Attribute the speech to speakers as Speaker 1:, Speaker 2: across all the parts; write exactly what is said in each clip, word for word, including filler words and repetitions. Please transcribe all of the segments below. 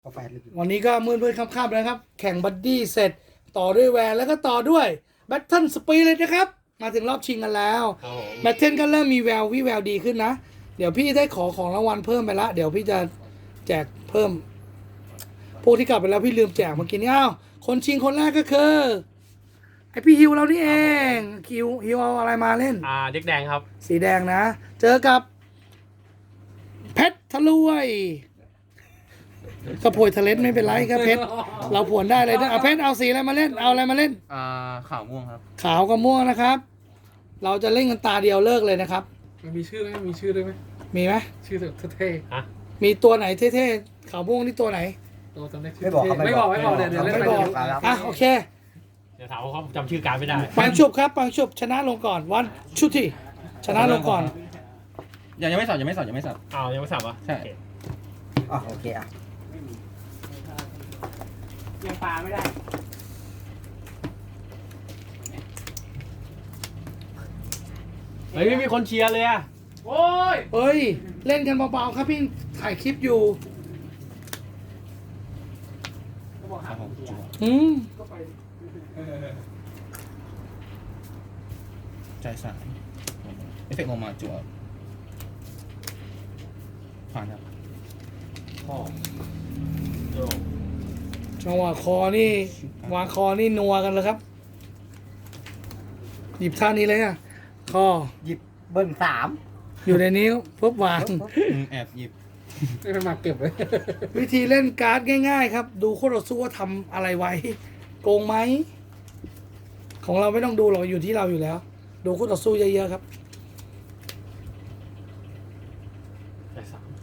Speaker 1: กาแฟลึก
Speaker 2: วันนี้ก็มืดๆค่ำๆนะครับ แข่งบัดดี้เสร็จต่อด้วยแวร์แล้วก็ต่อด้วยแบทเทิลสปีเลยนะครับ มาถึงรอบชิงกันแล้วแบทเทิลก็เริ่มมีแวววิแววดีขึ้นนะ เดี๋ยวพี่ได้ขอของรางวัลเพิ่มไปละ เดี๋ยวพี่จะแจกเพิ่ม พวกที่กลับไปแล้วพี่ลืมแจกเมื่อกี้นี้อ้าวคนชิงคนแรกก็คือไอพี่ฮิวเรานี่เองฮิวฮิวเอาอะไรมาเล่น
Speaker 3: อ่าเด็กแดงครับ
Speaker 2: สีแดงนะ เจอกับเพชรทะลวยกระโผยทะเลนไม่เป็นไรครับเพชรเราผวนได้เลยนะเอาเพชรเอาสีอะไรมาเล่นเอาอะไรมาเล่น
Speaker 4: อ่าขาวม่วงครับ
Speaker 2: ขาวกับม่วงนะครับ เราจะเล่นกันตาเดียวเลิกเลยนะครับ
Speaker 5: มันมีชื่อไหมมีชื่อด้วยไหม
Speaker 2: มีไหม
Speaker 5: ชื่อเท่
Speaker 2: มีตัวไหนเท่ๆขาวม่วงนี่ตัวไหน
Speaker 5: ๆตัวจำได้ชื่
Speaker 1: ไม่บอกเขา
Speaker 5: ไม่บอกไม่บอกเดี๋ยวเดี๋ยวเล่น
Speaker 2: ไม่
Speaker 5: ไป
Speaker 2: บอก
Speaker 5: เดี๋ยว
Speaker 2: อ่ะโอเค
Speaker 3: เดี๋ยวถามว่าเขาจำชื่อการไม่ได้
Speaker 2: ปังชุบครับปังชุบชนะลงก่อนวันชุดที่ชนะลงก่อน
Speaker 4: ยังยังไม่สับยังไม่สับยังไม่สับ
Speaker 3: อ้าวยังไม่สับวะ
Speaker 4: ใช่
Speaker 3: โอเค
Speaker 1: อ๋อโอเคอ่ะ
Speaker 2: ยังปลาไม่ได้
Speaker 3: เฮ้ยไม่มีคนเชียร์เลยอะ
Speaker 5: โอ้ย
Speaker 2: เฮ้ยเล่นกันเบาๆครับพี่ถ่ายคลิปอยู่
Speaker 4: ครับผมจั่ว
Speaker 2: อืม
Speaker 4: ใจสายเอฟเฟกต์ลงมาจั่วผ่านครับ
Speaker 3: พ่อโย
Speaker 2: จังหวะคอนี่วางคอนี่นัวกันเลยครับ หยิบท่านี้เลยอ่ะคอ
Speaker 1: หยิบเบิ้ลสาม
Speaker 2: อยู่ในนี้ปุ๊บวาง
Speaker 4: อืมแอบหยิบ
Speaker 5: ไม่เป็นมาเก็บเลย
Speaker 2: วิธีเล่นการ์ดง่ายๆครับ ดูคู่ต่อสู้ว่าทำอะไรไว้ โกงไหม ของเราไม่ต้องดูหรอกอยู่ที่เราอยู่แล้ว ดูคู่ต่อสู้เยอะๆครับ
Speaker 3: ใจสาม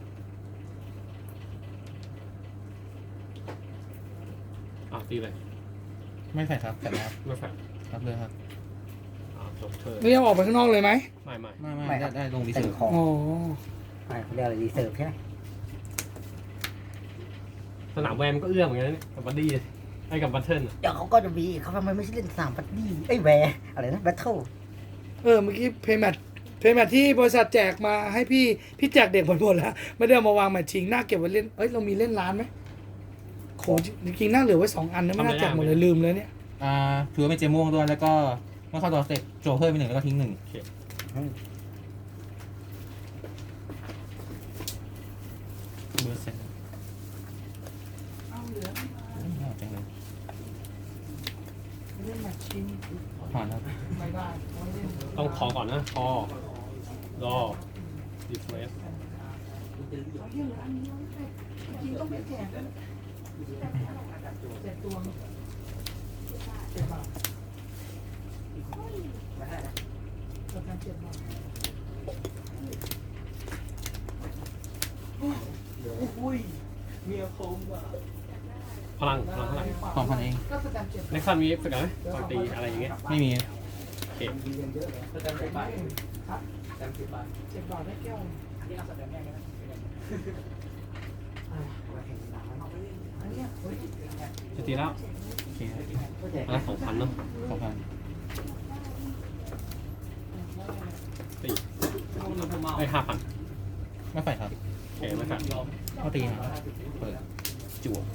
Speaker 3: อ่ะตีเลย
Speaker 4: ไม่ใส่ครับแต่รับ
Speaker 3: ไม่แฟร์
Speaker 4: รับเลยครับ
Speaker 3: อ่าจบเธอ
Speaker 2: ไม่ยอมออกไปข้างนอกเลยไหม
Speaker 3: ไม่ไม่
Speaker 4: ไม่ไม่ได้ได้ลงดี
Speaker 1: เต็
Speaker 4: สุ
Speaker 1: ม
Speaker 4: ด
Speaker 1: ของ
Speaker 2: อ๋อ
Speaker 1: ไม่เขาเรียกอะไรรีเซิร์ฟใช่ไหม
Speaker 3: สนามแวร์มันก็เอื้อมเหมือนกันนะเนี่ยกับบัดดี้ไอ้กับบัตเทิลอะ
Speaker 1: เดี๋ยวเขาก็จะมีเขาทำไมไม่ใช่เล่นสามปัดดี้ไอ้ยแวร์อะไรนะแบทเทิล
Speaker 2: เออเมื่อกี้เพย์แมทเพย์แมทที่บริษัทแจกมาให้พี่พี่แจกเด็กหมดหมดแล้ว ไม่ได้เอามาวางแมทชิงหน้าเก็บไว้เล่นเอ้ยเรามีเล่นร้านไหมโขจริงๆน่าเหลือไว้สองอันนะไม่น่าแจกหมดเลยลืมเลยเนี่ย
Speaker 4: อ่าถือว่าเป็นเจม่วงด้วยแล้วก็เมื่อเข้าตัวสเต็ปโจเพิ่มไปหนึ่งแล้วก็ทิ้งหนึ่งเบอร์เซ็นต์เอาจังเลย
Speaker 2: เล่นแมทชิง
Speaker 4: ผ่านครับ
Speaker 2: ไม่ได้
Speaker 3: ต้องคอก่อนนะคอรอดีเฟรส
Speaker 2: อุ้ยเมียคมอ่ะ
Speaker 3: พลังพลังพลัง
Speaker 4: สองพันเอง
Speaker 2: ก็สแตมป์เจ็บ
Speaker 3: เน็กซันมีเอฟเฟกต์ไหมตอนตีอะไรอย่างเงี้ย
Speaker 4: ไม่มี
Speaker 3: โอเค
Speaker 2: เจ็บบาทได้แก้วอันเนี้ยเฮ้ย
Speaker 3: จะตีแล้ว
Speaker 4: โอเค
Speaker 3: อันละสองพันเนาะ
Speaker 4: สองพัน
Speaker 3: ตีไอ้ห้าพัน
Speaker 4: ไม่ใส่ครับ
Speaker 3: โอเคไม่แฟร์
Speaker 4: เข้าตีนะเปิดจั่ว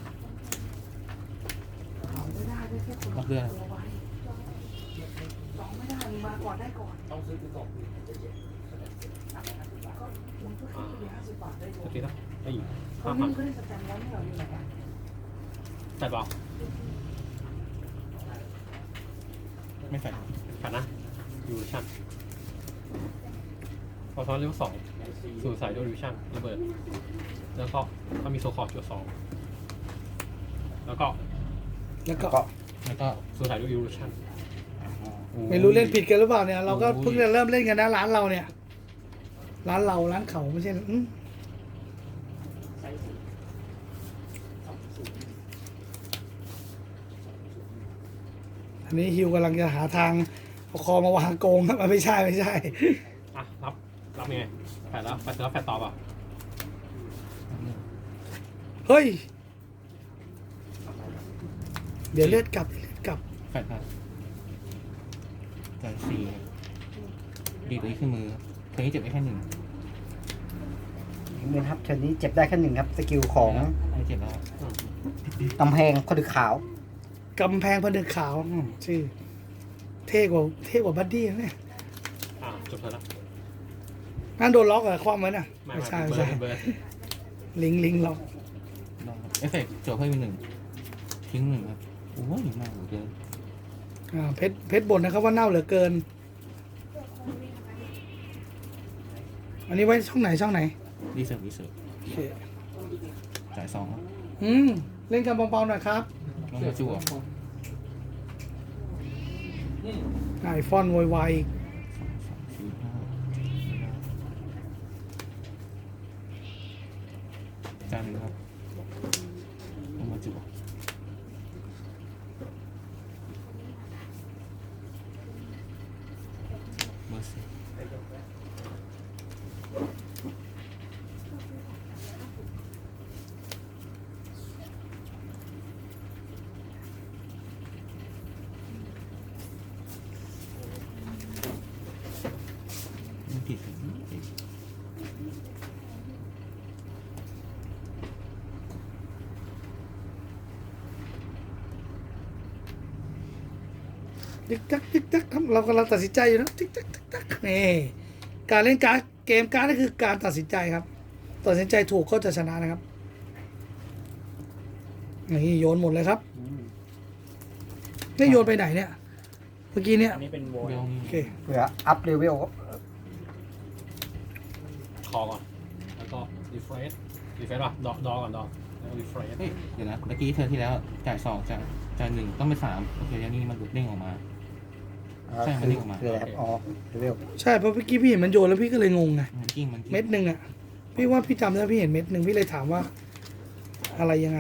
Speaker 4: รับเรือ
Speaker 2: สองไม่ได้มึงมาก่อนได้ก่อนต้องซื้อก่อน
Speaker 3: อ่า
Speaker 2: ห้าสิบบาทได้ก่อ
Speaker 3: จะ
Speaker 2: น
Speaker 3: ตีแล้วไอ้
Speaker 2: ค
Speaker 3: ห้าน พั
Speaker 2: นี้
Speaker 3: น
Speaker 2: ก็ได้สแตมป์แล้วไม่เหรออยู่ไหนอ่ะ
Speaker 3: ใส่เปล่า
Speaker 4: ไม่ใส่ครับ
Speaker 3: ผ่านนะยูริชั่นพอซ้อนเลเวลสองสู่สายโดริชั่นระเบิด แล้วก็ถ้ามีโซคอร์จุดสองแล้วก็
Speaker 2: แล้วก็
Speaker 1: ก็
Speaker 4: แล้วก็
Speaker 3: สู่สายโดริชั่น
Speaker 2: ไม่รู้เล่นผิดกันหรือเปล่าเนี่ย เราก็เพิ่งจะเริ่มเล่นกันนะร้านเราเนี่ย ร้านเราร้านเขาไม่ใช่อืมอันนี้ฮิวกำลังจะหาทางเอาคอมาวางโกงครับไม่ใช่ไม่ใช่
Speaker 3: อ่ะ รับ รับยังไงแผดแล้วแผดแล้วแผดต่อป่ะ
Speaker 2: เฮ้ย เดี๋ยวเลือดกลับเลือดกลับ
Speaker 4: แฟดครับจ่ายสี่ดีตัวนี้ขึ้นมือเทนี้เจ็บไปแค่หนึ่ง
Speaker 1: ทิ้งมือครับเชิญนี้เจ็บได้แค่หนึ่งครับสกิลของ
Speaker 4: อันนี้เจ็บแล้ว
Speaker 1: กำแพงคนดึกขาว
Speaker 2: กำแพงผนึกขาวอืมชื่อเท่กว่าเท่กว่าบัดดี้นะเนี่ย
Speaker 3: อ่าจบเธอแล้ว
Speaker 2: นั่นโดนล็อกเหรอคว่ำไว้น่ะ
Speaker 3: ไม่
Speaker 2: ไม่
Speaker 3: ไม่
Speaker 2: ใช่
Speaker 3: เบิ
Speaker 2: ไม่
Speaker 3: ร์
Speaker 2: ใช่
Speaker 3: ดเบิร์ด
Speaker 2: ลิงลิงล็อก
Speaker 4: ลองครับเอฟเฟกต์โจทย์เพิ่มอีกหนึ่งทิ้งหนึ่งครับโอ้ยมากเหลือเกิน
Speaker 2: อ่าเพชรเพชรบ่นนะครับว่าเน่าเหลือเกิน อันนี้ไว้ช่องไหนช่องไหน
Speaker 4: รีเสิร์ฟรีเสิร์ฟ
Speaker 2: โอเค
Speaker 4: จ่ายสองครับ
Speaker 2: อืมเล่นกันเบาๆหน่อยครับ
Speaker 4: ลงมาจั่ว
Speaker 2: ไอฟอนโวยวายอีก
Speaker 4: สองสามสี่ห้าจานหนึ่งครับลงมาจั่วเบอร์สี่ไม่ผิดสิ
Speaker 2: ติ๊กตักติ๊กตักครับเรากำลังตัดสินใจอยู่นะติ๊กตักติ๊กตักนี่การเล่นการ์ดเกมการ์ดนี่คือการตัดสินใจครับตัดสินใจถูกก็จะชนะนะครับนี่โยนหมดเลยครับไม่โยนไปไหนเนี่ยเมื่อกี้เนี่ย
Speaker 5: อันนี้เป็นโว
Speaker 4: เดี๋ยว
Speaker 2: โอเค
Speaker 1: เพื่ออัพเลเวล
Speaker 3: คอก่อน แล้วก็รีเฟรชรีเฟรชป่ะดอดอก่อนดอแล้วก็รีเฟรช
Speaker 4: เฮ้ยเดี๋ยวนะเมื่อกี้เธอที่แล้วจ่ายสองจ่ายจ่ายหนึ่งต้องเป็นสามโอเคอย่างนี้มันหลุดเด้งออกมา ใช่มันนี่ออกมา
Speaker 1: คืออะไรครับอ๋อเลเวล
Speaker 2: ใช่เพราะเมื่อกี้พี่เห็นมันโยนแล้วพี่ก็เลยงงไง
Speaker 4: มันกิ้งมันกิ้ง
Speaker 2: เม็ดหนึ่งอ่ะพี่ว่าพี่จำได้พี่เห็นเม็ดหนึ่งพี่เลยถามว่า อะไรยังไง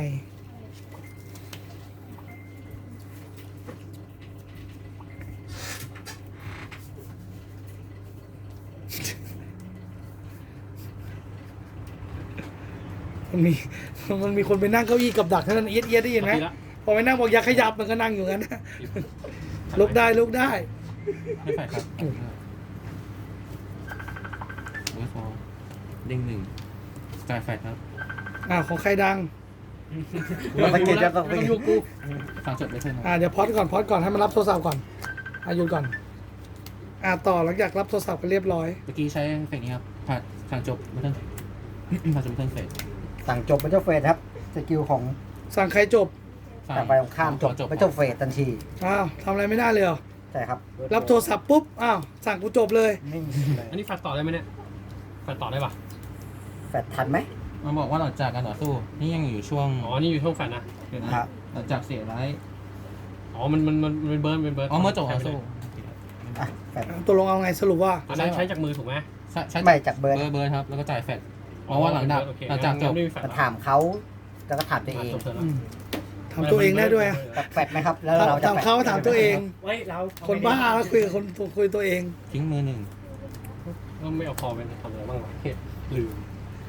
Speaker 2: มันมีมันมีคนไปนั่งเก้าอี้กับดักเท่านั้นเอียดเอียดได้ยินไหม
Speaker 3: ทีละ
Speaker 2: พอไปนั่งบอกอย่าขยับมันก็นั่งอยู่งั้นนะลุกได้ลุกได้
Speaker 4: ไม่ไฟครับเวฟอร์เด้งหนึ่งจ่ายแฟดครับ
Speaker 2: อ่าของใครดัง
Speaker 1: สังเกตจะต้อง
Speaker 3: ไม่ต้องยุ่งกู
Speaker 4: ฟังจดไปเท่านั้น
Speaker 2: อ่าเดี๋ยวพอดก่อนพอดก่อนให้มันรับโทรศัพท์ก่อนอายุก่อน อ่าต่อหลังจากรับโทรศัพท์ก็เรียบร้อย
Speaker 4: เมื่อกี้ใช้เฟกนี้ครับผ่านทางจบไม่ต้องผ่านจบไม่ต้องเฟก
Speaker 1: สั่งจบเป็นเจ้าเฟสครับสกิลของ
Speaker 2: สั่งใครจบ
Speaker 1: แต่ไปของข้ามจบเป็นเจ้าเฟสทันที
Speaker 2: อ้าวทำอะไรไม่ได้เลยเหรอ
Speaker 1: ใช่ครับ
Speaker 2: รับโทรศัพท์ปุ๊บอ้าวสั่งกูจบเลย
Speaker 1: นิ่ง
Speaker 3: อันนี้แฟดต่อได้ไหมเนี่ยแฟดต่อได้ป่ะ
Speaker 1: แฟดทันไหม
Speaker 4: มันบอกว่าหลังจากการต่อสู้นี่ยังอยู่ช่วง
Speaker 3: อ๋อ นี่อยู่ช่วงแฟดนะ
Speaker 4: เดี๋ยวนะหลังจากเสียร้าย
Speaker 3: อ๋อ มัน มัน มันมันเบิร์นเป็นเบิร์น
Speaker 4: อ๋อเมื่อจบการสู้
Speaker 1: อ่ะแฟด
Speaker 2: อ่ะตัวลงเอาไงสรุปว่า
Speaker 3: อันนั้นใช้จากมือถูกไหม
Speaker 4: ใช่ใช่
Speaker 1: ไม่จากเบิร์น
Speaker 4: เบอร์เบอร์ครับแล้วก็จ่ายแฟดเพราะว่าหลังจาก
Speaker 3: โอเค
Speaker 4: หลังจากจบ
Speaker 3: ไม่มีแฟด
Speaker 1: มาถามเขาแล้วก็ถามตัวเอง
Speaker 3: จบเถอะ
Speaker 2: อืมถามตัวเองได้ด้วยอะ
Speaker 1: แบบแฟดไหมครับ แล้วเราจะ
Speaker 2: ถาม
Speaker 1: แฟด
Speaker 2: เขาถามตัวเอง
Speaker 5: ไว้เรา
Speaker 2: คนบ้าแล้วคุยกับคนคุยตัวเอง
Speaker 4: ทิ้งมือหนึ่ง
Speaker 3: ก็ไม่เอาพอเป็นทำอะไรบ้างวะเฮ้ยลืม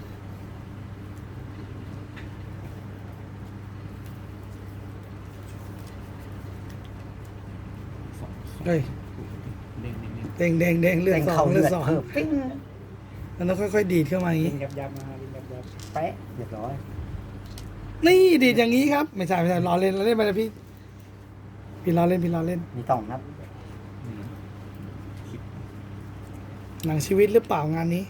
Speaker 4: สองสอง
Speaker 2: เฮ้ย
Speaker 4: เด้งเด้งเด้ง
Speaker 2: เด้งเด้งเด้งเลือด
Speaker 1: เร่ง
Speaker 2: สอ
Speaker 1: เขา
Speaker 2: งเลื
Speaker 1: เลื
Speaker 2: อ
Speaker 1: อ
Speaker 2: ด
Speaker 1: ด
Speaker 2: สอง
Speaker 1: เพิ่มปิ้ง
Speaker 2: มันต้องค่อยๆดีดเข้ามาอย่าง
Speaker 5: ลิ
Speaker 2: นี้
Speaker 5: งยับยับมาลิงยับยับ
Speaker 1: แป๊ะเรียบร้อย
Speaker 2: นี่ดีดอย่างนี้ครับ ไม่ใช่ไม่ใช่ล้อเล่นล้อเล่นไปเลยพี่พี่ล้อเล่นพี่ล้อเล่น
Speaker 1: มีต่องครับ
Speaker 4: อืมคิด
Speaker 2: หนังชีวิตหรือเปล่างานนี้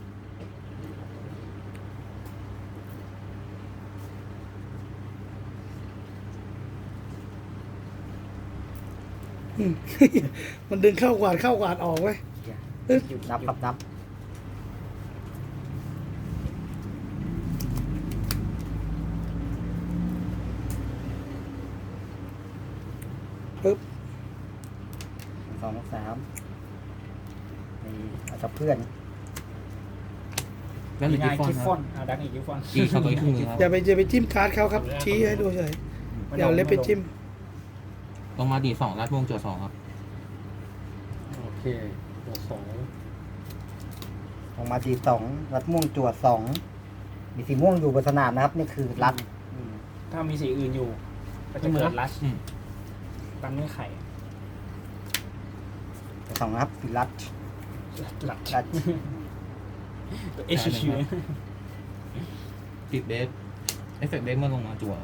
Speaker 2: อืม มันดึงเข้ากวาดเข้ากวาดออกเว้ย
Speaker 1: นับครับนับ
Speaker 2: ปึ๊บ
Speaker 1: สองสามนี่เอาจับเพื่อน
Speaker 4: แล้วหรือ
Speaker 5: ง่าย
Speaker 4: กิฟฟอน
Speaker 5: กิฟ
Speaker 4: ค
Speaker 5: ฟอ
Speaker 4: รับ
Speaker 5: นอ่าดักอีกกิฟฟอน
Speaker 4: อีกเข้าไปครึ่งหนึงครับ
Speaker 2: อย่าไปอย่าไปจิ้มการ์ดเขาครับ ชี้ให้ดูเฉยอย่าเอาเล็บไปจิ้ม
Speaker 4: ลงมาดีสองรัดวงโจสองครับ
Speaker 3: โอเคตัวสอง
Speaker 1: ออกมาดีสองรัดม่วงจวดสองมีสีม่วงอยู่บนสนามนะครับ นี่คือรัด
Speaker 5: อืมถ้ามีสีอื่นอยู่ ก็จะเกิดลัช
Speaker 4: อืม
Speaker 5: ตามเงื่อนไข
Speaker 1: สองนะครับสีรัด
Speaker 5: ลัช
Speaker 1: รัด
Speaker 5: เอชชิว
Speaker 4: ติดเดฟเอฟเฟกต์เดฟเมื่อลงมาจั่ว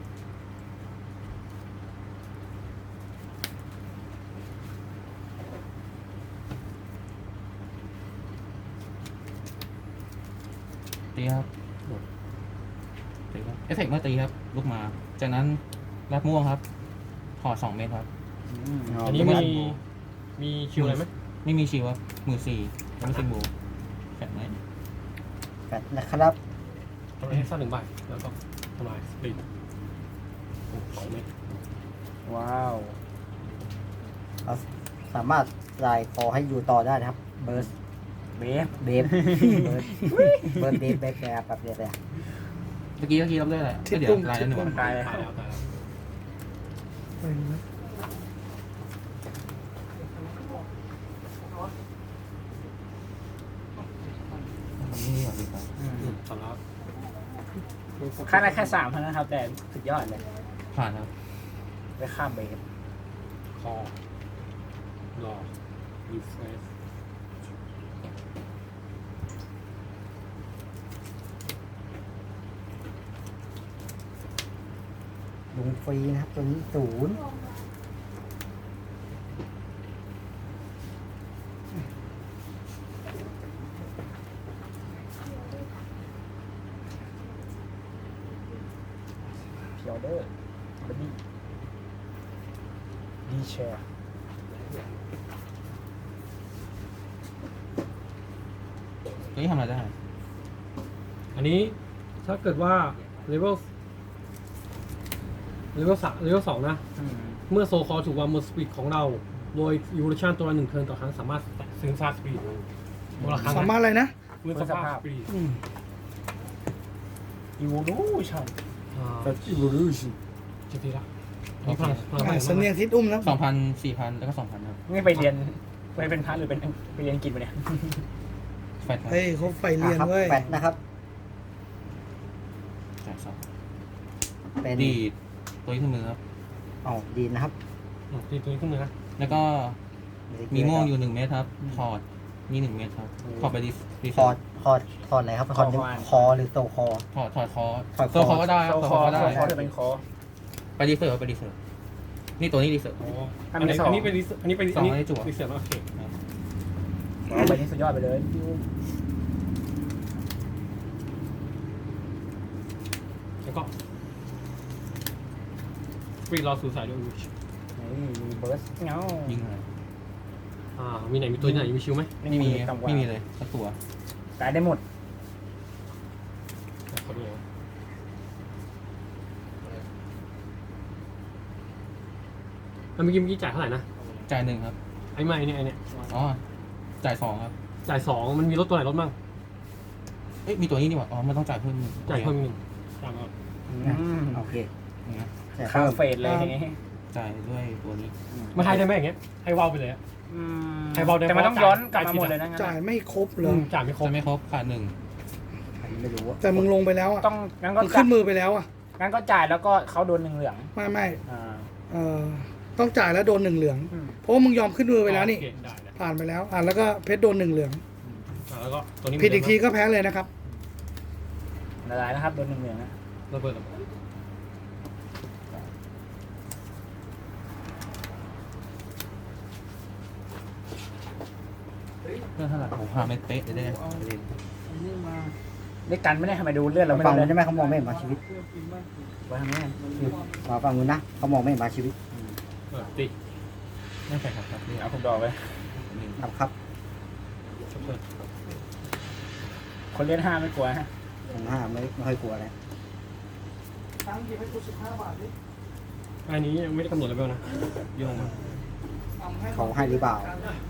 Speaker 4: ตีครับตีครับเอฟเฟกต์เมื่อตีครับลุกมาจากนั้นรับม่วงครับถอดสองเม็ดครับ
Speaker 3: อันนี้มีมีคิวอะไรไหม
Speaker 4: ไม่มีชิวครับมือสี่ยังไม่ซิงบูแข็งไหม
Speaker 1: แปดนะครับ
Speaker 3: ทำลายเฮกซ่าหนึ่งใบแล้วก็ทำลายสปรินสองเม็ด
Speaker 5: ว้าว
Speaker 1: เราสามารถรายคอให้อยู่ต่อได้นะครับ เบิร์ส
Speaker 5: เบฟ
Speaker 1: เบฟเบิร์สเบิร์สเบฟเบฟแบบแบบเดียวเลย
Speaker 4: เมื่อกี้เมื่อกี้รับได้อะไรก็เดี๋ยวลายแล้วหนึ่งวัน
Speaker 5: ตายเลย
Speaker 3: ตายแล้วตายแล้ว
Speaker 2: ไปนะ
Speaker 4: นี่ก่อนดีกว่า
Speaker 5: อืม
Speaker 3: อืมสำรับ
Speaker 5: ค่าได้แค่สามเท่านั้นครับ แต่สุดยอดเลย
Speaker 4: ผ่านครับ
Speaker 5: ได้ข้ามเบฟ
Speaker 3: คอรอรีเฟรช
Speaker 1: ลุงฟรีนะครับ ตัวนี้ศูนย์
Speaker 5: พิออเดอร์บัดดี้ดีแชร์
Speaker 4: ตัวนี้ทำอะไรได้
Speaker 3: อันนี้ถ้าเกิดว่าเลเวลเลเวลสามเลเวลสองนะ
Speaker 5: อืม
Speaker 3: เมื่อโซคอถูกวางบนสปีดของเรา โดยยูโรชันตัวละหนึ่งเทิร์นต่อครั้งสามารถซื้อซาสปีดตัวละครั้ง
Speaker 2: สามารถอะไรนะ
Speaker 3: เมื่อสภาพสปีด
Speaker 2: อืม
Speaker 5: อีวูลูชั่น
Speaker 3: อ่า
Speaker 5: อีวูลูชั่น
Speaker 3: จะทีละมีพลังพลัง
Speaker 2: อ่า
Speaker 3: พลัง
Speaker 2: เสนียงทิศอุ้มนะ
Speaker 4: สองพันสี่พันแล้วก็สองพันครับ
Speaker 5: นี่ไปเรียนไปเป็นพระหรือเป็นไปเรียนอังกฤษมาเนี่ย
Speaker 4: แฟตครับ
Speaker 2: เฮ้ยเขาไฟเรียน
Speaker 1: ครับ
Speaker 2: เว้ย
Speaker 1: แปดนะครับ
Speaker 4: จ่ายสอง
Speaker 1: เป็น
Speaker 4: ดีดตัวนี้ขึ้นมือครับ
Speaker 1: อ๋อดีนะครับ
Speaker 3: อืมตีตัวนี้ขึ้นมือนะ
Speaker 4: แล้วก็มีม่วงอยู่หนึ่งเม็ดครับถอดมีหนึ่งเม็ดครับถอดไปดีดี
Speaker 1: คอร์ดคอร์ดคอร์ดอะไรครับคอร์ดคอหรือโซคอ
Speaker 4: ถอดถอดคอ
Speaker 1: ถอดคอ
Speaker 4: โซคอก็ได้ครับ
Speaker 5: โซ
Speaker 4: โซ
Speaker 5: ค
Speaker 4: ค
Speaker 5: อ
Speaker 4: อก็ได้
Speaker 5: โซคอจะเป็นคอ
Speaker 4: ไปดีเซอร์ไปดีเซอร์นี่ตัวนี้ดีเซอร์
Speaker 3: อ๋อ
Speaker 5: อั
Speaker 3: อั
Speaker 5: น
Speaker 3: น
Speaker 5: นี้
Speaker 3: นี้
Speaker 5: สอง
Speaker 3: อันนี้เป็นรีเซอันนี้เป็น
Speaker 4: สอง
Speaker 3: อันนี้
Speaker 4: อันนี้จั่ว
Speaker 3: รีเซอร์โอเค
Speaker 5: เอาไปนี่สุดยอดไปเลย
Speaker 3: แล้วก็สปีดรอสู่สายด้วยวิช
Speaker 5: นี่มีเบิร์สเงา
Speaker 4: ยิงอะไร
Speaker 3: อ่ามีไหนมีตัวไหนมีชิวไหม
Speaker 5: ไม่
Speaker 4: ไม่
Speaker 5: มี
Speaker 4: มี
Speaker 5: ต่ำกว่า
Speaker 4: ไม่มีเลยสักตัว
Speaker 5: ตายได้หมด
Speaker 3: ขอดูนะแล้วเมื่อกี้เมื่อกี้จ่ายเท่าไหร่นะ
Speaker 4: จ่ายหนึ่งครับ
Speaker 3: ไอ้ไม่เนี่ยไอ้เนี่ย
Speaker 4: อ๋อจ่ายสองครับ
Speaker 3: จ่ายสองมันมีลดตัวไหนลดบ้าง
Speaker 4: เอ๊ะมีตัวนี้นี่หว่าอ๋อมันต้องจ่ายเพิ่มหนึ่ง
Speaker 3: จ่ายเพิ่มอีกหนึ่งจ่ายมา
Speaker 5: อืม
Speaker 1: โอเค
Speaker 4: นะ
Speaker 1: แต่
Speaker 5: ข้า
Speaker 1: เพิ่
Speaker 5: ม
Speaker 1: ม
Speaker 5: เฟสเลยอย่างงี้
Speaker 4: จ่ายด้วยตัวนี้
Speaker 3: มาให้ได้ไหมอย่างเงี้ยให้ว่าวไปเลยอะ
Speaker 5: อืม
Speaker 3: ให้เบาได้
Speaker 5: แต่มันต้อง
Speaker 3: เพราะ
Speaker 5: ย้อนก
Speaker 3: จ่า
Speaker 5: ลับ
Speaker 3: ย
Speaker 5: มาหมดเลยนะงั้น
Speaker 2: จ่ายไม่ครบเล
Speaker 3: อื
Speaker 2: ย
Speaker 3: มจ่ายไม่ครบ
Speaker 4: จะไม่ครบขาดหนึ่ง
Speaker 1: อันนี้ไม่รู้ว่า
Speaker 2: แต่มึงลงไปแล้วอ่ะ
Speaker 5: ต้องงั้นก็
Speaker 2: มึง
Speaker 5: จ่า
Speaker 2: ขึ้
Speaker 5: ย
Speaker 2: นมือไปแล้วอ่ะ
Speaker 5: งั้นก็จ่ายแล้วก็เขาโดนหนึ่งเหลือง
Speaker 2: ไม่ไม่
Speaker 5: อ่า
Speaker 2: เออต้องจ่ายแล้วโดนหนึ่งเหลือง
Speaker 5: อืม
Speaker 2: เพราะว่ามึงยอมขึ้นมือไปแล้วนี่
Speaker 3: โอเคได้ได้
Speaker 2: ผ่านไปแล้วอ่ะแล้วก็เพชรโดนหนึ่งเหลือง
Speaker 3: อ่าแล้วก็ตัวนี้
Speaker 2: ผิดอีกทีก็แพ้เลยนะครับ
Speaker 5: ละลายนะครับโดนหนึ่งเหลืองนะ
Speaker 3: ระเบิดระเบิด
Speaker 4: เพื่อเท่าไหร่ผมพาไม่เป๊ะเลยได้ประเด็น
Speaker 5: ได้กันไม่ได้ทำไมดูเลือดเราไม่
Speaker 1: ฝั่ง
Speaker 5: รู้
Speaker 1: นู้น
Speaker 5: เลย
Speaker 1: ใช่ไหมเขามองไม่เห็นมาชีวิต
Speaker 5: ไว้ทำไมอะ
Speaker 1: มาฝั่งนู้นนะเขามองไม่เห็นมาชีวิต
Speaker 3: เออตี
Speaker 4: ไม่ใช่ครับครับเรีย
Speaker 5: เอา
Speaker 4: ก
Speaker 5: ผมดอกไป
Speaker 4: หนึ่ง
Speaker 1: ครับครับ
Speaker 3: ชัปเปอร์
Speaker 5: คนเลือดห้าไม่กลัวฮะ
Speaker 1: ผมห้าไม่ไม่ค่อยกลัวเลย
Speaker 2: ตังค์หยิบให้กูสิบห้าบาทดิ
Speaker 3: อันนี้ยังไม่ได้กำหนดเลเวลนะโยงมา
Speaker 1: เขาให้หรือเปล่า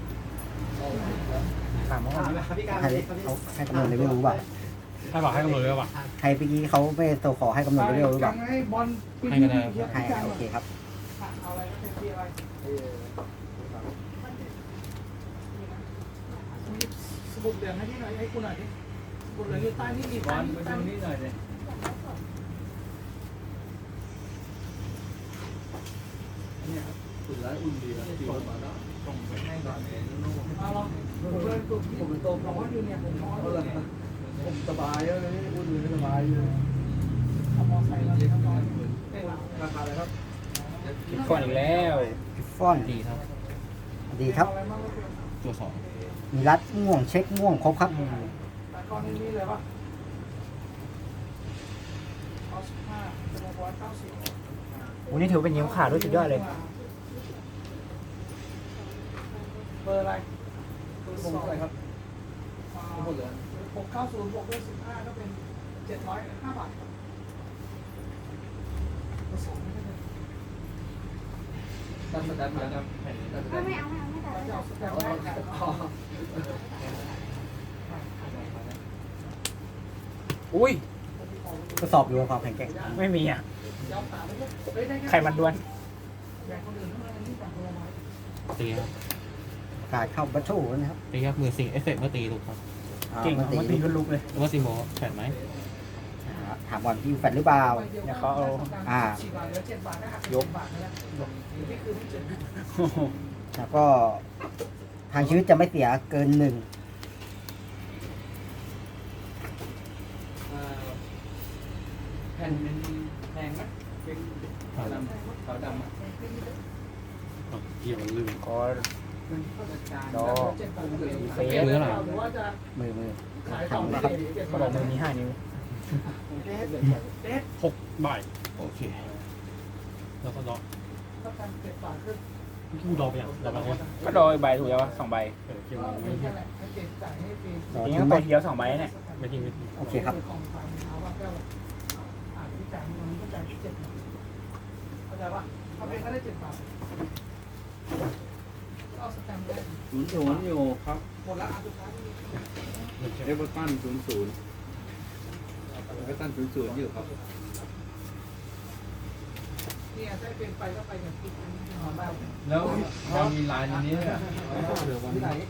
Speaker 5: ถามว่า
Speaker 1: ให้เขาให้กำหนดเลเวลหรือเปล่า
Speaker 3: ให้บอกให้กำหนดเลเวลป่ะ
Speaker 1: ให้เมื่อกี้เขาไม่โซขอให้กำหนดเลเวลหรือเปล่า
Speaker 2: ให้บอล
Speaker 4: ให้ก็ได้ครับ
Speaker 1: ให้โอเคครับ
Speaker 2: เอาอะไรเป็นที่อะไรสมุดเหลืองให้ที่หน่อยให้กูหน่อยดิสมุดเหลืองอยู่ใต้นี่มีบอลมาดูนี่หน่อยเลยเอาลองผมเลยตุ่มผมเลยตุ่มผมว่าอยู่เนี่ยผมนอนเลย
Speaker 6: ผมสบายแล้วนี่อุ่นเลยสบายอยู่
Speaker 5: คิดก่อนอีกแล้ว
Speaker 1: กิฟฟอน
Speaker 4: ดีครับ
Speaker 1: ดีครับ
Speaker 4: ตัวสอง
Speaker 1: มีรัดม่วงเช็คม่วงครบครับ
Speaker 2: ก้อนนี้เลยป่ะ
Speaker 5: วันนี้ถือเป็นยิ้มขาดด้วยสุดยอดเลย
Speaker 2: เบอร์อะไรเบอร์สองอะไรครับหกเก้าศูนย์บวกด้วยสิบห้าก็เป็นเจ็ดร้อยห้าบาทครับเบอร์สองไม่ได้เลย
Speaker 6: ไม่ไม่เอาไม่เอาไม่ตัดไม่ตัด
Speaker 2: แต่ว่า
Speaker 5: อุ้ย
Speaker 1: ทดสอบอยู่ว่าความแข็งแกร่ง
Speaker 5: ไม่มีอ่ะไข่มันด้วน
Speaker 4: ตีครับ
Speaker 1: การเข้าบัตชูนะครับ
Speaker 4: ตีครับมือสิงเอฟเฟกต์เมื่อตีลูกครับ
Speaker 1: อ่า
Speaker 5: เก่ง
Speaker 1: มันตี
Speaker 5: มันตีก็ลุกเลย
Speaker 4: หรือว่าซีโมแผ่นไหม
Speaker 1: อ่าถามก่อนพี่แฟนหรือเปล่า
Speaker 5: เดี๋ยวเขาเอา
Speaker 1: อ่า
Speaker 5: ยก
Speaker 1: แล้วก็ทางชีวิตจะไม่เสียเกินหนึ่ง
Speaker 6: แผ่นเป็นแพงไหมเป็นขาวดำขาวดำอ่ะ
Speaker 3: อ่ะเกี่ยวลืม
Speaker 5: ขอ
Speaker 6: ดอ
Speaker 5: เฟ
Speaker 4: มือ
Speaker 5: ส
Speaker 4: อะไร
Speaker 1: มือมือ
Speaker 2: ขาย
Speaker 1: ถามนะครับ
Speaker 5: เขาบอกมือมีห้านิ้ว
Speaker 3: หกใบ
Speaker 4: โอเค
Speaker 3: แล้วก็ดอกกูดอกไปอย่างดอกไปแล้ว
Speaker 5: ก็โดยใบถูกแล้ววะสองใบ
Speaker 3: เออเกี่ยวไม่
Speaker 1: รอ
Speaker 5: ทีนี้
Speaker 1: ทิ้ง
Speaker 5: ก็
Speaker 1: ไหม
Speaker 5: ไปเดียวสองใบเนี่ย
Speaker 3: ไม่ทิ้งไม่ทิ้ง
Speaker 1: โอเคครับ
Speaker 2: เข้าใจป่ะเขาเป็นก็ได้เจ็ดบาทก็เอาสแตมป์ได้
Speaker 6: ศูนย์ศูนย์อยู่ครับ
Speaker 2: หมดละอันสุดท้าย
Speaker 6: เอเวอร์ตันศูนย์ศูนย์เอเวอร์ตันศูนย์ศูนย์อยู่ครับ
Speaker 2: เนี่ยได้เป็นไปก็ไปอย่างที่นอนได้
Speaker 6: แล้วเรามีลายในนี้เนี่ย
Speaker 2: ที่ไหน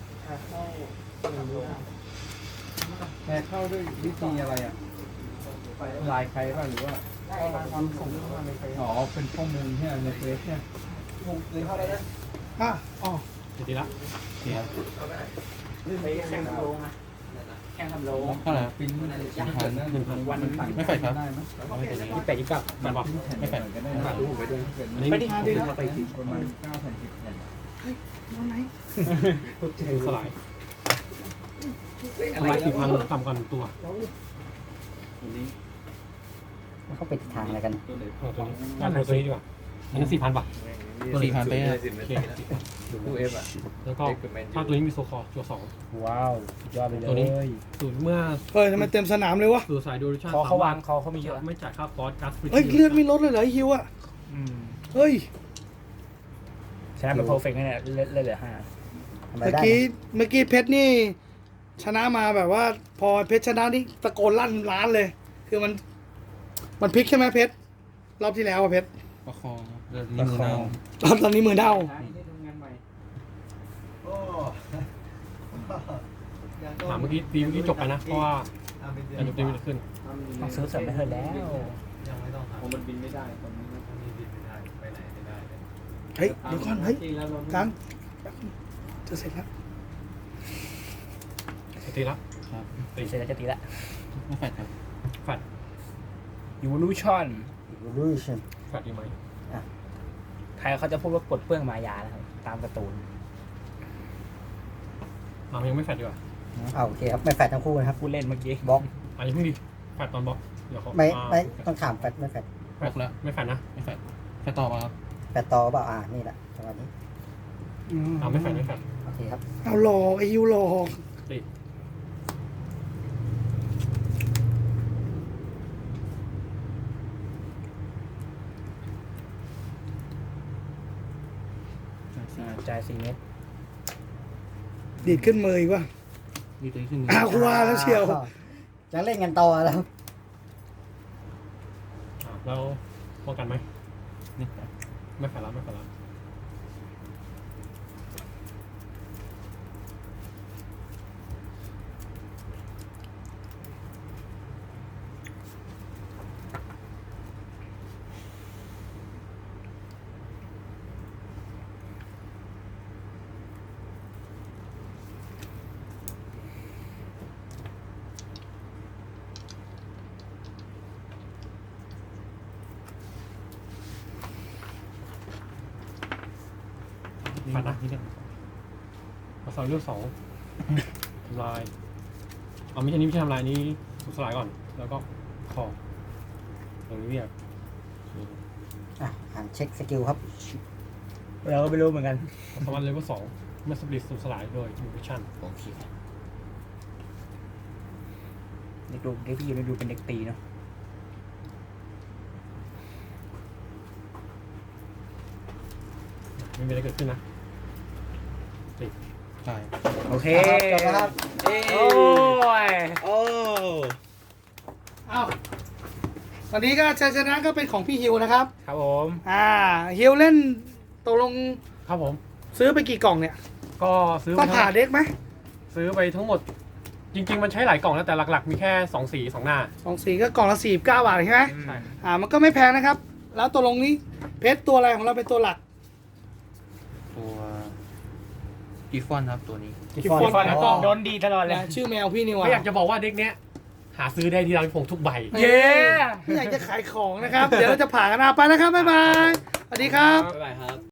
Speaker 6: แค่เข้าด้วยวิธีอะไรอ่ะลายใครบ้างหรือว่า
Speaker 2: ได้ความส่งมาในเฟซ
Speaker 6: อ๋อเป็นข้อมูลที่ในเฟซเนี่ย
Speaker 2: เลยเข้าได้นะอ่ะอ๋อ
Speaker 3: เดี๋ยวทีละ
Speaker 4: ดีครับ
Speaker 5: ไปแข่งทำโลงอะแข่งทำโลง
Speaker 4: เท่าไหร่ครับ
Speaker 6: ปิ้น
Speaker 4: หนึ่งพันหนึ่งพัน
Speaker 5: วัน
Speaker 4: ไม่แฟดครับ
Speaker 6: ได้ไหม
Speaker 4: ไม่เป็นไร
Speaker 5: ยี่สิบแปดยี่สิบเก้า
Speaker 3: มันบอก
Speaker 4: ไม่แฟด
Speaker 6: ก็ได้มาดูไปด้วย
Speaker 3: อันนี้
Speaker 5: ไปดิ
Speaker 2: ดีแล้ว
Speaker 6: ไปติดประมาณเก้าแผ่นสิบแผ่น
Speaker 2: นอนไหน
Speaker 3: คือสลายทำลายสี่พันต่ำกว่าหนึ่งตัว
Speaker 6: ตัวนี้
Speaker 1: เขาไปทางอะไรกัน
Speaker 6: ตัวไหน
Speaker 3: เอาตัวนี้งานตัวนี้ดีกว่าอันนี้สี่พันป่ะ
Speaker 4: สี่พันไปครับ
Speaker 3: โอเค
Speaker 6: ตู้เอฟอ่ะ
Speaker 3: แล้วก็ถ้าตัวนี้มีโซคอร์จัวสอง
Speaker 1: ว้าวสุดยอดไปเล
Speaker 3: ตัวนี้
Speaker 1: ย
Speaker 3: ศูนย์เมื่อ
Speaker 2: เฮ้ยทำไมเต็มสนามเลยวะ
Speaker 3: สูสายดูริชั่น
Speaker 5: คอเขาวางคอเขามีเยอะ
Speaker 3: ไม่จ่ายค่าคอร์สก๊าซฟรี
Speaker 2: เฮ้ยเลือดไม่ลดเลยเหรอไอ้ฮิวอ่ะ
Speaker 5: อืม
Speaker 2: เฮ้ย
Speaker 5: ชนะเป็นเพอร์เฟกต์เนี่ยเล่นเล่นเหลือห้า
Speaker 1: ทำอะไร
Speaker 2: เมื่อ
Speaker 1: ได้
Speaker 2: กี้เมื่อกี้เพชรนี่ ชนะมาแบบว่า พอเพชรชนะนี่ตะโกนลั่นร้านเลย คือมัน มันพลิกใช่ไหมเพชรรอบที่แล้วอะเพชร
Speaker 4: ประคองครับแล้วนี่มือเน่าร
Speaker 2: อบตอนนี้มือเด้า
Speaker 3: ถามเมื่อกี้ตีเมื่อกี้จบไปนะ เพราะว่าอันจบตีมันขึ้น
Speaker 5: ต้องซื้อเสริมไปเถอะแล้ว
Speaker 6: ผมมันบินไม่ได้ตอนนี้
Speaker 2: เฮ้ยเดี๋ยวก่อนเฮ้ยกันจะเสร็จแล้ว
Speaker 3: ตีละ
Speaker 4: ครับ
Speaker 3: ตี
Speaker 5: เสร็จแล้วจะตีละ
Speaker 4: ไม่แฟดครับ
Speaker 3: แฟด
Speaker 5: ยูรูชั่น
Speaker 1: รูชัน
Speaker 3: แฟดดีไหม
Speaker 5: ไทยเขาจะพูดว่าปลดเปลื้องมายานะครับตามการ์ตูน
Speaker 3: อ่ะยังไม่แฟดดีกว่า
Speaker 1: อ่าโอเคครับไม่แฟดทั้งคู่นะครับ
Speaker 5: พูดเล่นเมื่อกี้
Speaker 1: บล็อก
Speaker 3: อ่ะยังไม่ดีแฟดตอนบล็อกเดี๋ยวเขา
Speaker 1: ไม่
Speaker 3: อ่า
Speaker 1: ไม่ต้องถามแฟดไม่แฟด
Speaker 3: แฟดแล้วไม่แฟดนะ
Speaker 4: ไม่แฟดแฟดต่อมาครับ
Speaker 1: แฟดต่อเปล่าอ่านี่แหละจังหวะนี้
Speaker 3: อ่าไม่แฟดไม่แฟด
Speaker 1: โอเคครับ
Speaker 2: เอาหลอกไอ้ฮิวหลอก
Speaker 3: ตี
Speaker 5: จ่ายสี่เมตร
Speaker 2: ดีดขึ้นมืออีกว่ะ
Speaker 4: ดีตัวนี้ขึ้นมือ
Speaker 2: อ้าวกูว่าแล้วเชียว
Speaker 1: จะเล่นกันต่อแล้ว
Speaker 3: อ่ะแล้วป้องกันไหม
Speaker 4: นี่ครับ
Speaker 3: ไม่แฟดแล้วไม่แฟดแล้วผ่านนะมาสองเลือกสองทำลายเอาไม่ใช่นี้ไม่ใช่ทำลายนี้สูญสลายก่อน แล้วก็คอตรงนี้เรียก
Speaker 1: อ่ะอ่านเช็คสกิลครับ
Speaker 5: เราก็ไม่รู้เหมือนกัน
Speaker 3: สวัสดิ์เลเวลสองเมื่อสปริตสูญสลายโดยอินฟิชั่น
Speaker 4: โอเค
Speaker 5: เด็กดูเด็กพี่ยูดูเป็นเด็กตีเนาะ
Speaker 3: ไม่มีอะไรเกิดขึ้นนะติด
Speaker 4: ใช่
Speaker 5: โอเค
Speaker 1: จบแล้วครับ
Speaker 5: โอ้ย
Speaker 4: โอ้
Speaker 2: อ้าววันนี้ก็ชัยชนะก็เป็นของพี่ฮิวนะครับ
Speaker 5: ครับผม
Speaker 2: อ่าฮิวเล่นตกลง
Speaker 3: ครับผม
Speaker 2: ซื้อไปกี่กล่องเนี่ย
Speaker 3: ก็ซื้อ
Speaker 2: ต้อง
Speaker 3: ไปทั้ง
Speaker 2: ผ่าเด็กไหม
Speaker 3: ซื้อไปทั้งหมด จริง ๆ มันใช้หลายกล่องนะแต่หลักๆ มีแค่สองสีสองหน้า
Speaker 2: สองสีก็กล่องละสี่สิบเก้าบาทใช่ไหม
Speaker 3: ใช่
Speaker 2: อ่ามันก็ไม่แพงนะครับ แล้วตกลงนี้เพชรตัวอะไรของเราเป็นตัวหลัก
Speaker 4: ตัวกีฟอนครับตัวนี้
Speaker 2: กิฟฟอน
Speaker 5: ฟอนแล้วก็โดนดีตลอดเลย
Speaker 2: นะชื่อแมวพี่นี่หว่า
Speaker 3: ไม่อยากจะบอกว่าเด็กเนี้ยหาซื้อได้ที่ร้านผมทุกใบ
Speaker 2: เย้ไม่อยากจะขายของนะครับ เดี๋ยวเราจะผ่ากันเอาไปแล้วครับ บ๊ายบาย สวัสดีครับ
Speaker 3: บ๊ายบาย